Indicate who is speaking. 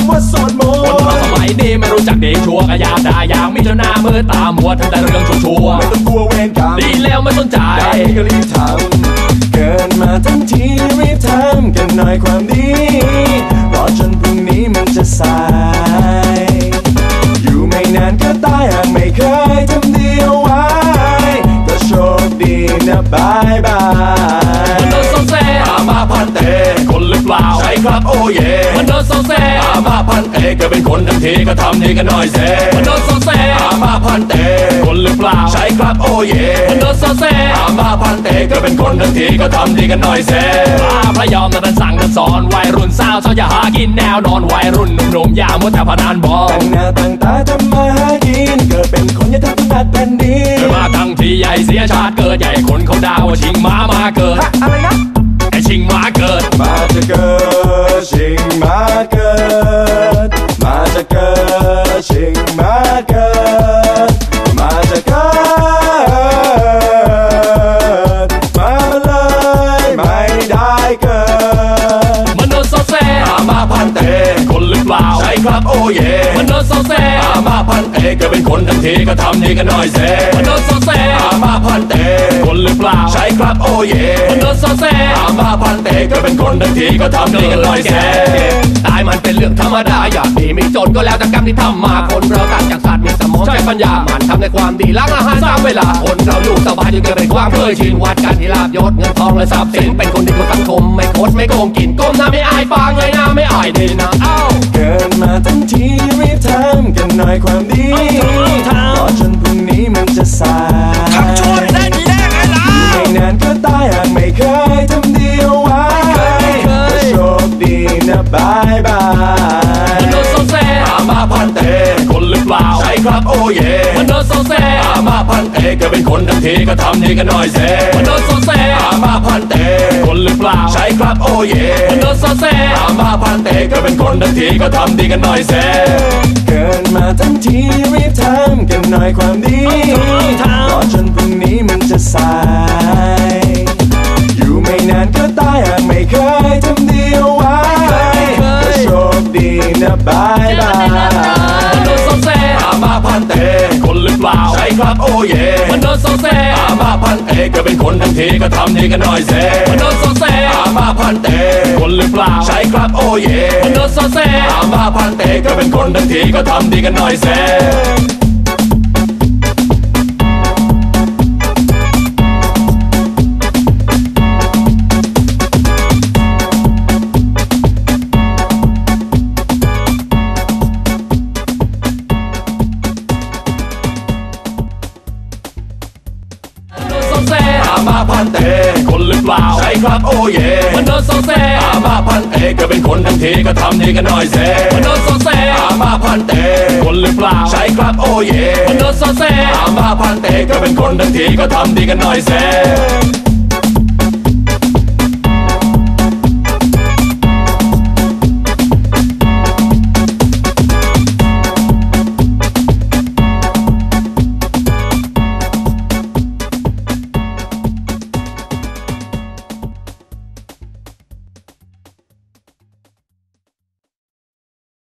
Speaker 1: ำว่าสวดมนต์
Speaker 2: คนเราสมัยนี้ไม่รู้จักดีชั่วก็อยากด่าอย่างมิจฉาหน้ามือตามัวทำแต่เรื่องชั่ว
Speaker 1: ไม่ต้องกลัวเวรกรรม
Speaker 2: ดีแล้วไม่สนใจ
Speaker 1: ได้ก็รีบทำเกินมาทั้งทีรีบทำกันหน่อยความดีรอจนพรุ่งนี้มันจะสายอยู่ไม่นานก็ตายหากไม่เคยทำดีเอาไว้ก็โชคดีนะบายบาย
Speaker 2: มันโดนโซเซ
Speaker 1: อามาพันเต
Speaker 2: คนหรือเปล่า
Speaker 1: ใช่ครับโอ้เย่
Speaker 2: มันโดนโซเซ
Speaker 1: อามาพันเตก็เป็นคนทั้งทีก็ทำดีกันหน่อยเซ
Speaker 2: มันโดนโซเซ
Speaker 1: อามาพันเต
Speaker 2: คนหรือเปล่า
Speaker 1: ใช่ครับโอ้เย่
Speaker 2: มันโดนโซเซ
Speaker 1: อามาพันเตก็เป็นคนทั้งทีก็ทำดีกันหน่อยเซ
Speaker 2: พระยอมนั้นสั่งนั้นสอนวัยรุ่นสาวอย่าหากินแนวนอนวัยรุ่นหนุ่มๆอย่ามัวแต่พนันบอล
Speaker 1: ตั้งหน้าตั้งตาทำมาหากินเกิดเป็นคนอย่าทำทุกนัดแผ่นดิน
Speaker 2: มาทั้งทีใหญ่เสียชาติเกิดใหญ่คนเขาด่าว่าชิงม้ามาเกิด
Speaker 1: อะไรนะ
Speaker 2: ไอชิงม้าเกิด
Speaker 1: มาจะเกิดชิงม้าเกิดมาจะเกิดชิงม้าเกิดมาจะเกิดมาเลยไม่ได้เกิด
Speaker 2: มันโดนโซเซ
Speaker 1: อามาพันเต
Speaker 2: คนหรือเปล่า
Speaker 1: ใช่ครับโอ้เย่
Speaker 2: มันโดนโซเซ
Speaker 1: อามาพันเตก็เป็นคนทั้งทีก็ทำดีกันหน่อยเซ
Speaker 2: มันโดนโซเซ
Speaker 1: อามาพันเต
Speaker 2: คนหรือเปล่า
Speaker 1: ใช่ครับโอ้เย่
Speaker 2: มันโดนโซเซ
Speaker 1: อามาพันเตก็เป็นคนทั้งทีก็ทำดีกันหน่อยเซ
Speaker 2: ตายมันเป็นเรื่องธรรมดาอยากดีไม่จนก็แล้วแต่กรรมที่ทำมาคนเราต่างจากสัตว์มีสมองใช้ปัญญามันทำในความดีล้างอาหารสร้างเวลาคนเราอยู่สบายจนเกิดเป็นความเคยชินวัดกันที่ลาบยศเงินทองและทรัพย์สินเป็นคนดีของสังคมไม่โคตรไม่โกงกินก้มหน้าไม่อายฟังเงยหน้าไม่อายดีนะ
Speaker 1: เกินมาทั้งทีรีบทำกันหน่อยความดีรอจนพรุ่งนี้มันจะสาย
Speaker 2: ทำชั่วได้ดีได้ไงล่ะ
Speaker 1: ไม่นานก็ตายหากไม่เคยทำดีเอาไว้ก็โชคดีนะบายบาย
Speaker 2: มันโดนโซเซ
Speaker 1: อามาพันเต
Speaker 2: คนหรือเปล่า
Speaker 1: ใช่ครับโอ้เย่
Speaker 2: มันโดนโซเซ
Speaker 1: อามาพันเตก็เป็นคนทั้งทีก็ทำดีกันหน่อยเซ
Speaker 2: มันโดนโซเซ
Speaker 1: อามาพันเต
Speaker 2: คนหรือเปล่า
Speaker 1: ใช่ครับโอ้เย่
Speaker 2: มันโดนโซเซ
Speaker 1: อามาพันเตก็เป็นคนทั้งทีก็ทำดีกันหน่อยเซเกินมาทั้งทีรีบทำกันหน่อยความดีรอจนพรุ่งนี้มันจะสายอยู่ไม่นานก็ตายหากไม่เคยทำดีเอาไว้ก็โชคดีนะบายบาย
Speaker 2: มันโดนโซเซ
Speaker 1: อามาพันเต
Speaker 2: คนหรือเปล่า
Speaker 1: ใช่ครับโอ้เย่
Speaker 2: มันโดนโซเซ
Speaker 1: อามาพันเตก็เป็นคนทั้งทีก็ทำดีกันหน่อยเซ
Speaker 2: มันโดนโซเซ
Speaker 1: อามาพันเต
Speaker 2: คนหรือเปล่า
Speaker 1: ใช่ครับโอ้เย่
Speaker 2: มันโดนโซเซ
Speaker 1: อามาพันเตก็เป็นคนทั้งทีก็ทำดีกันหน่อยเซอามาพันเต
Speaker 2: คนหรือเปล่า
Speaker 1: ใช่ครับโอ้เย่
Speaker 2: มันโดนโซเซ
Speaker 1: อามาพันเตก็เป็นคนทั้งทีก็ทำดีกันหน่อยเซ
Speaker 2: มันโดนโซเซ
Speaker 1: อามาพันเต
Speaker 2: คนหรือเปล่า
Speaker 1: ใช่ครับโอ้เย่
Speaker 2: มันโดนโซเซ
Speaker 1: อามาพันเตก็เป็นคนทั้งทีก็ทำดีกันหน่อยเซ